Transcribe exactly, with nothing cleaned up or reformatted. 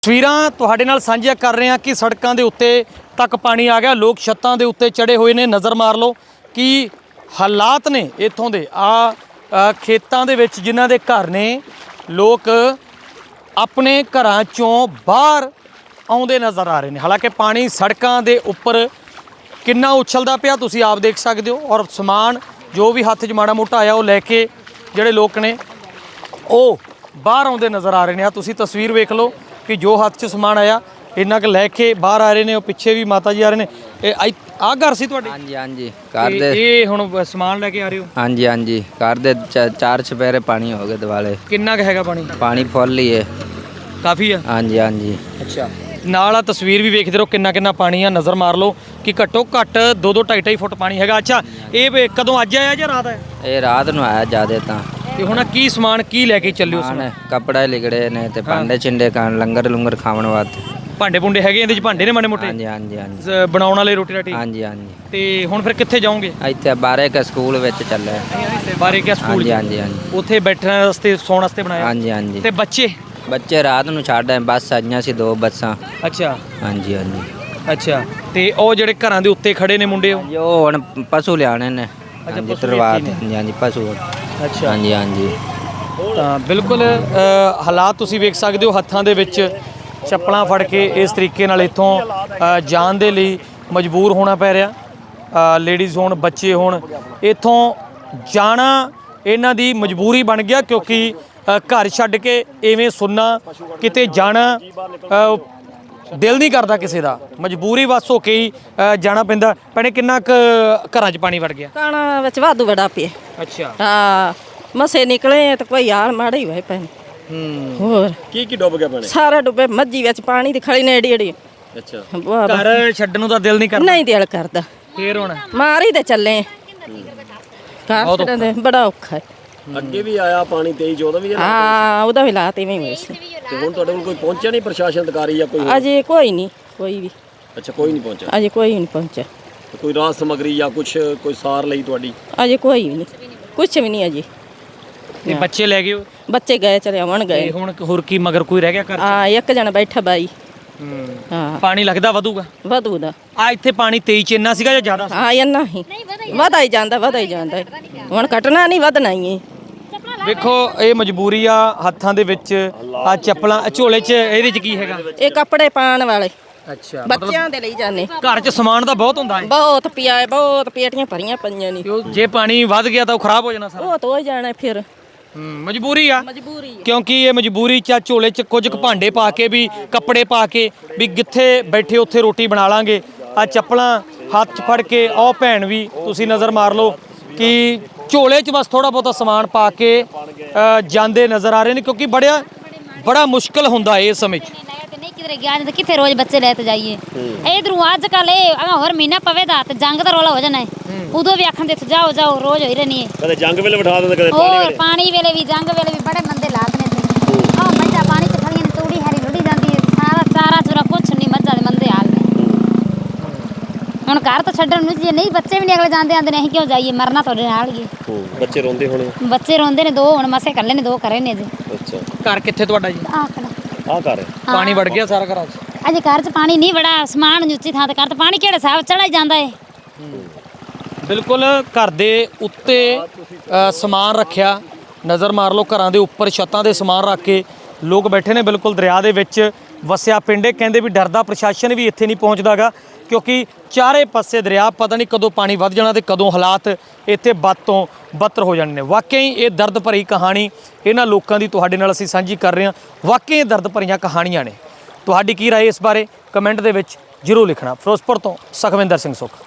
ਤਸਵੀਰਾਂ ਤੁਹਾਡੇ ਨਾਲ ਸਾਂਝੀਆਂ ਕਰ ਰਹੇ ਹਾਂ ਕਿ ਸੜਕਾਂ ਦੇ ਉੱਤੇ ਤੱਕ ਪਾਣੀ ਆ ਗਿਆ। ਲੋਕ ਛੱਤਾਂ ਦੇ ਉੱਤੇ ਚੜੇ ਹੋਏ ਨੇ। ਨਜ਼ਰ ਮਾਰ ਲਓ ਕਿ ਹਾਲਾਤ ਨੇ ਇੱਥੋਂ ਦੇ। ਆ ਖੇਤਾਂ ਦੇ ਵਿੱਚ ਜਿਨ੍ਹਾਂ ਦੇ ਘਰ ਨੇ, ਲੋਕ ਆਪਣੇ ਘਰਾਂ ਚੋਂ ਬਾਹਰ ਆਉਂਦੇ ਨਜ਼ਰ ਆ ਰਹੇ ਨੇ। ਹਾਲਾਂਕਿ ਪਾਣੀ ਸੜਕਾਂ ਦੇ ਉੱਪਰ ਕਿੰਨਾ ਉਛਲਦਾ ਪਿਆ ਤੁਸੀਂ ਆਪ ਦੇਖ ਸਕਦੇ ਹੋ। ਔਰ ਸਮਾਨ ਜੋ ਵੀ ਹੱਥ 'ਚ ਮਾੜਾ ਮੋਟਾ ਆਇਆ ਉਹ ਲੈ ਕੇ ਜਿਹੜੇ ਲੋਕ ਨੇ ਉਹ ਬਾਹਰ ਆਉਂਦੇ ਨਜ਼ਰ ਆ ਰਹੇ ਨੇ। ਆ ਤੁਸੀਂ ਤਸਵੀਰ ਵੇਖ ਲਓ ਕਿ ਜੋ ਹੱਥ 'ਚ ਸਮਾਨ ਆਇਆ ਇੰਨਾ ਕੁ ਲੈ ਕੇ ਬਾਹਰ ਆ ਰਹੇ ਨੇ। ਉਹ ਪਿੱਛੇ ਵੀ ਮਾਤਾ ਜੀ ਆ ਰਹੇ ਨੇ। ਇਹ ਆਹ ਘਰ ਸੀ ਤੁਹਾਡੇ? ਹਾਂਜੀ ਹਾਂਜੀ ਘਰ ਦੇ। ਇਹ ਹੁਣ ਸਮਾਨ ਲੈ ਕੇ ਆ ਰਹੇ ਹੋ? ਹਾਂਜੀ ਹਾਂਜੀ ਘਰ ਦੇ ਚਾਰ ਚੁਫੇਰੇ ਪਾਣੀ ਹੋ ਗਏ ਦਿਵਾਲੇ। ਕਿੰਨਾ ਕੁ ਹੈਗਾ ਪਾਣੀ? ਪਾਣੀ ਫੁੱਲ ਹੀ ਹੈ, ਕਾਫੀ ਆ। ਹਾਂਜੀ ਹਾਂਜੀ। ਅੱਛਾ, ਨਾਲ ਆ ਤਸਵੀਰ ਵੀ ਵੇਖਦੇ ਰਹੋ ਕਿੰਨਾ ਕਿੰਨਾ ਪਾਣੀ ਆ। ਨਜ਼ਰ ਮਾਰ ਲਓ ਕਿ ਘੱਟੋ ਘੱਟ ਦੋ ਦੋ ਢਾਈ ਢਾਈ ਫੁੱਟ ਪਾਣੀ ਹੈਗਾ। ਅੱਛਾ, ਇਹ ਕਦੋਂ ਅੱਜ ਆਇਆ ਜਾਂ ਰਾਤ ਆਇਆ? ਇਹ ਰਾਤ ਨੂੰ ਆਇਆ ਜ਼ਿਆਦਾ ਤਾਂ। ਤੇ ਹੁਣ ਕੀ ਸਮਾਨ ਕੀ ਲੈ ਕੇ ਚੱਲਿਓ? ਸਮਾਨ ਕੱਪੜਾ ਲਿਗੜੇ ਨੇ ਤੇ ਭਾਂਡੇ ਚਿੰਡੇ ਖਾਣ, ਲੰਗਰ ਲੰਗਰ ਖਾਣ ਵਾਸਤੇ। ਭਾਂਡੇ ਭੁੰਡੇ ਹੈਗੇ ਇਹਦੇ 'ਚ? ਭਾਂਡੇ ਨੇ ਮਾੜੇ ਮੋਟੇ? ਹਾਂਜੀ ਹਾਂਜੀ ਹਾਂਜੀ। ਬਣਾਉਣ ਵਾਲੇ ਰੋਟੀ ਰਾਟੀ? ਹਾਂਜੀ ਹਾਂਜੀ। ਤੇ ਹੁਣ ਫਿਰ ਕਿੱਥੇ ਜਾਓਗੇ? ਇੱਥੇ ਬਾਰੇ ਕੇ ਸਕੂਲ ਵਿੱਚ ਚੱਲੇ। ਬਾਰੇ ਕੇ ਸਕੂਲ? ਹਾਂਜੀ ਹਾਂਜੀ ਹਾਂਜੀ। ਉੱਥੇ ਬੈਠਣ ਵਾਸਤੇ ਸੌਣ ਵਾਸਤੇ ਬਣਾਇਆ? ਹਾਂਜੀ ਹਾਂਜੀ। ਤੇ ਬੱਚੇ? ਬੱਚੇ ਰਾਤ ਨੂੰ ਛੱਡ ਆਏ, ਬੱਸ ਆਈਆਂ ਸੀ ਦੋ ਬੱਸਾਂ। ਅੱਛਾ ਹਾਂਜੀ ਹਾਂਜੀ। ਅੱਛਾ, ਤੇ ਉਹ ਜਿਹੜੇ ਘਰਾਂ ਦੇ ਉੱਤੇ ਖੜੇ ਨੇ ਮੁੰਡੇ ਉਹ? ਉਹ ਹੁਣ ਪਸ਼ੂ ਲਿਆਣੇ ਨੇ। ਹਾਂਜੀ ਤਰਵਾਤ। ਹਾਂਜੀ ਹਾਂਜੀ ਪਸ਼ੂ। ਅੱਛਾ ਹਾਂਜੀ ਹਾਂਜੀ। ਤਾਂ ਬਿਲਕੁਲ ਹਾਲਾਤ ਤੁਸੀਂ ਵੇਖ ਸਕਦੇ ਹੋ। ਹੱਥਾਂ ਦੇ ਵਿੱਚ ਚੱਪਲਾਂ ਫੜ ਕੇ ਇਸ ਤਰੀਕੇ ਨਾਲ ਇੱਥੋਂ ਜਾਣ ਦੇ ਲਈ ਮਜਬੂਰ ਹੋਣਾ ਪੈ ਰਿਹਾ। ਲੇਡੀਜ਼ ਹੋਣ, ਬੱਚੇ ਹੋਣ, ਇੱਥੋਂ ਜਾਣਾ ਇਹਨਾਂ ਦੀ ਮਜਬੂਰੀ ਬਣ ਗਿਆ। ਕਿਉਂਕਿ ਘਰ ਛੱਡ ਕੇ ਇਵੇਂ ਸੁਣਨਾ ਕਿਤੇ ਜਾਣਾ ਦਿਲ ਨਹੀਂ ਕਰਦਾ ਕਿਸੇ ਦਾ। ਮਜਬੂਰੀ ਵਸ ਹੋ ਕੇ ਹੀ ਜਾਣਾ ਪੈਂਦਾ। ਭੈਣੇ ਕਿੰਨਾ ਕੁ ਘਰਾਂ 'ਚ ਪਾਣੀ ਵੜ ਗਿਆ? ਕਾਣਾ ਵਿੱਚ ਵਾਧੂ ਬੜਾ ਪਿਆ। ਅੱਛਾ। ਹਾਂ ਮਸੇ ਨਿਕਲੇ ਤਾਂ ਕੋਈ ਹਾਲ ਮਾੜਾ ਹੀ ਹੋਏ ਪੈਣ। ਹੂੰ। ਹੋਰ ਕੀ ਕੀ ਡੁੱਬ ਗਿਆ ਪਾਣੀ? ਸਾਰਾ ਡੁੱਬੇ। ਮੱਝੀ ਵਿੱਚ ਪਾਣੀ ਦੀ ਖੜੀ ਨੇ ਏਡੀ ਏਡੀ। ਅੱਛਾ, ਘਰ ਛੱਡਣ ਨੂੰ ਤਾਂ ਦਿਲ ਨਹੀਂ ਕਰਦਾ? ਨਹੀਂ ਦਿਲ ਕਰਦਾ। ਫੇਰ ਹੁਣ ਮਾਰੀ ਤੇ ਚੱਲੇ। ਘਰ ਛੱਡਣ ਦੇ ਬੜਾ ਔਖਾ ਹੈ। ਅੱਗੇ ਵੀ ਆਇਆ ਪਾਣੀ ਤੇਈ ਚੌਦਾਂ ਵੀ? ਹਾਂ ਉਹਦਾ ਵੀ ਲਾਤ ਇਵੇਂ ਹੋਏ ਸੀ। ਤੇ ਹੁਣ ਤੁਹਾਡੇ ਕੋਲ ਕੋਈ ਪਹੁੰਚਿਆ ਨਹੀਂ ਪ੍ਰਸ਼ਾਸਨ ਅਧਿਕਾਰੀ ਜਾਂ ਕੋਈ? ਅਜੇ ਕੋਈ ਨਹੀਂ, ਕੋਈ ਵੀ ਅੱਛਾ, ਕੋਈ ਨਹੀਂ ਪਹੁੰਚਿਆ? ਅਜੇ ਕੋਈ ਨਹੀਂ ਪਹੁੰਚਿਆ। ਕੋਈ ਰਾਹਤ ਸਮੱਗਰੀ ਜਾਂ ਕੁਝ ਕੋਈ ਸਾਰ ਲਈ ਤੁਹਾਡੀ? ਅਜੇ ਕੋਈ ਵੀ ਨਹੀਂ, ਕੁਛ ਵੀ ਨਹੀਂ ਅਜੇ। ਤੇ ਬੱਚੇ ਲੈ ਗਏ? ਬੱਚੇ ਗਏ ਚਲੇ ਆਉਣ ਗਏ। ਤੇ ਹੁਣ ਹੋਰ ਕੀ ਮਗਰ ਕੋਈ ਰਹਿ ਗਿਆ ਘਰ? ਹਾਂ ਇੱਕ ਜਣਾ ਬੈਠਾ ਬਾਈ। ਹੂੰ। ਹਾਂ ਪਾਣੀ ਲੱਗਦਾ ਵਧੂਗਾ? ਵਧੂ ਦਾ। ਆ ਇੱਥੇ ਪਾਣੀ ਤੇਈ ਚ ਇੰਨਾ ਸੀਗਾ ਜਾਂ ਜ਼ਿਆਦਾ? ਹਾਂ ਇੰਨਾ ਹੀ ਵਧਾ ਹੀ ਜਾਂਦਾ, ਵਧਾ ਹੀ ਜਾਂਦਾ। ਹੁਣ ਘਟਣਾ ਨਹੀਂ, ਵਧਣਾ ਹੀ ਹੈ। ਵੇਖੋ ਇਹ ਮਜਬੂਰੀ ਆ ਹੱਥਾਂ ਦੇ ਵਿੱਚ। ਆ ਚੱਪਲਾਂ ਝੋਲੇ 'ਚ ਇਹਦੇ 'ਚ ਕੀ ਹੈਗਾ? ਇਹ ਕੱਪੜੇ ਪਾਉਣ ਵਾਲੇ ਅੱਛਾ, ਬੱਚਿਆਂ ਦੇ ਲਈ ਜਾਂਦੇ। ਘਰ 'ਚ ਸਮਾਨ ਤਾਂ ਬਹੁਤ ਹੁੰਦਾ ਹੈ? ਬਹੁਤ ਪਿਆ ਹੈ, ਬਹੁਤ ਪੇਟੀਆਂ ਭਰੀਆਂ ਪਈਆਂ ਨੇ। ਜੇ ਪਾਣੀ ਵੱਧ ਗਿਆ ਤਾਂ ਉਹ ਖਰਾਬ ਹੋ ਜਾਣਾ ਸਾਰਾ? ਉਹ ਤੋਂ ਜਾਣਾ ਫਿਰ। ਹੂੰ, ਮਜਬੂਰੀ ਆ। ਮਜਬੂਰੀ ਕਿਉਂਕਿ ਇਹ ਮਜਬੂਰੀ 'ਚ ਝੋਲੇ 'ਚ ਕੁਝ ਕੁ ਭਾਂਡੇ ਪਾ ਕੇ ਵੀ, ਕੱਪੜੇ ਪਾ ਕੇ ਵੀ ਜਿੱਥੇ ਬੈਠੇ ਉੱਥੇ ਰੋਟੀ ਬਣਾ ਲਾਂਗੇ। ਆ ਚੱਪਲਾਂ ਹੱਥ 'ਚ ਫੜ ਕੇ ਉਹ ਭੈਣ ਵੀ ਤੁਸੀਂ ਨਜ਼ਰ ਮਾਰ ਲਓ ਕਿ ਝੋਲੇ 'ਚ ਬਸ ਥੋੜਾ ਬਹੁਤਾ ਸਮਾਨ ਪਾ ਕੇ ਜਾਂਦੇ ਨਜ਼ਰ ਆ ਰਹੇ ਨੇ। ਕਿਉਂਕਿ ਬੜਿਆ ਬੜਾ ਮੁਸ਼ਕਲ ਹੁੰਦਾ ਇਸ ਸਮੇਂ 'ਚ। ਨਹੀਂ ਕਿਧਰੇ ਗਿਆ ਨਹੀਂ ਤਾਂ ਕਿੱਥੇ ਰੋਜ਼ ਬੱਚੇ ਲੈ ਤੇ ਜਾਈਏ। ਇਧਰੋਂ ਅੱਜ ਕੱਲ ਇਹ ਹੋਰ ਮਹੀਨਾ ਪਵੇ ਦਾ ਤੇ ਜੰਗ ਦਾ ਰੋਲਾ ਹੋ ਜਾਣਾ ਹੈ। ਉਦੋਂ ਵੀ ਆਖਣ ਦੇ ਜਾਓ ਜਾਓ ਰੋਜ਼ ਹੋਈ ਰਹਿਣੀ ਹੈ। ਕਦੇ ਜੰਗ ਵੇਲੇ ਬਿਠਾ ਦਿੰਦੇ, ਕਦੇ ਪਾਣੀ ਵੇਲੇ। ਪਾਣੀ ਵੇਲੇ ਵੀ, ਜੰਗ ਵੇਲੇ ਵੀ ਬੜੇ ਮੰਦੇ ਲਾਤ ਨੇ ਤੇ ਆਹ ਮੱਝਾਂ ਪਾਣੀ ਚ ਖੜੀਆਂ ਨੇ, ਤੂੜੀ ਹਰੀ ਲੁੜੀ ਜਾਂਦੀ ਹੈ। ਸਾਰਾ ਚਾਰਾ ਚੁਰਾ ਕੁਛ ਨਹੀਂ, ਮੱਝਾਂ ਦੇ ਮੰਦੇ ਹਾਲ ਨੇ। ਹੁਣ ਘਰ ਤਾਂ ਛੱਡਣ ਨੂੰ ਜੇ ਨਹੀਂ, ਬੱਚੇ ਵੀ ਨਹੀਂ ਅਗਲੇ ਜਾਂਦੇ ਆਂਦੇ ਨੇ ਅਸੀਂ ਕਿਉਂ ਜਾਈਏ, ਮਰਨਾ ਤੁਹਾਡੇ ਨਾਲ ਹੀ। ਬੱਚੇ ਰੋਂਦੇ ਹੋਣੇ? ਬੱਚੇ ਰੋਂਦੇ ਨੇ। ਦੋ ਹੁਣ ਮਸੇ ਕੱਲੇ ਨੇ, ਦੋ ਕਰੇ ਨੇ ਜੀ। ਅੱਛਾ, ਘਰ ਕਿੱਥੇ ਤੁਹਾਡਾ ਜੀ? ਆਖਣਾ ਆ ਘਰ ਪਾਣੀ ਵੜ ਗਿਆ ਸਾਰਾ ਘਰਾਂ 'ਚ? ਅਜੇ ਘਰ 'ਚ ਪਾਣੀ ਨਹੀਂ ਵੜਾ, ਸਮਾਨ ਉੱਚੀ ਥਾਂ ਤੇ ਘਰ 'ਚ ਪਾਣੀ ਕਿਹੜੇ ਸਾਹ ਚੜਾ ਹੀ ਜਾਂਦਾ ਹੈ। ਬਿਲਕੁਲ ਘਰ ਦੇ ਉੱਤੇ ਸਮਾਨ ਰੱਖਿਆ। ਨਜ਼ਰ ਮਾਰ ਲਓ ਘਰਾਂ ਦੇ ਉੱਪਰ ਛੱਤਾਂ ਦੇ ਸਮਾਨ ਰੱਖ ਕੇ ਲੋਕ ਬੈਠੇ ਨੇ। ਬਿਲਕੁਲ ਦਰਿਆ ਦੇ ਵਿੱਚ ਵਸਿਆ ਪਿੰਡ ਹੈ। ਕਹਿੰਦੇ ਵੀ ਡਰਦਾ ਪ੍ਰਸ਼ਾਸਨ ਵੀ ਇੱਥੇ ਨਹੀਂ ਪਹੁੰਚਦਾਗਾ ਕਿਉਂਕਿ ਚਾਰੇ ਪਾਸੇ ਦਰਿਆ, ਪਤਾ ਨਹੀਂ ਕਦੋਂ ਪਾਣੀ ਵੱਧ ਜਾਣਾ ਤੇ ਕਦੋਂ ਹਾਲਾਤ ਇੱਥੇ ਬਦ ਤੋਂ ਬਦਤਰ ਹੋ ਜਾਣੇ ਨੇ। ਵਾਕਈ ਇਹ ਦਰਦ ਭਰੀ ਕਹਾਣੀ ਇਹਨਾਂ ਲੋਕਾਂ ਦੀ ਤੁਹਾਡੇ ਨਾਲ ਅਸੀਂ ਸਾਂਝੀ ਕਰ ਰਹੇ ਹਾਂ। ਵਾਕਈ ਇਹ ਦਰਦ ਭਰੀਆਂ ਕਹਾਣੀਆਂ ਨੇ। ਤੁਹਾਡੀ ਕੀ ਰਾਏ ਇਸ ਬਾਰੇ ਕਮੈਂਟ ਦੇ ਵਿੱਚ ਜ਼ਰੂਰ ਲਿਖਣਾ। ਫਿਰੋਜ਼ਪੁਰ ਤੋਂ ਸੁਖਵਿੰਦਰ ਸਿੰਘ ਸੁੱਖ।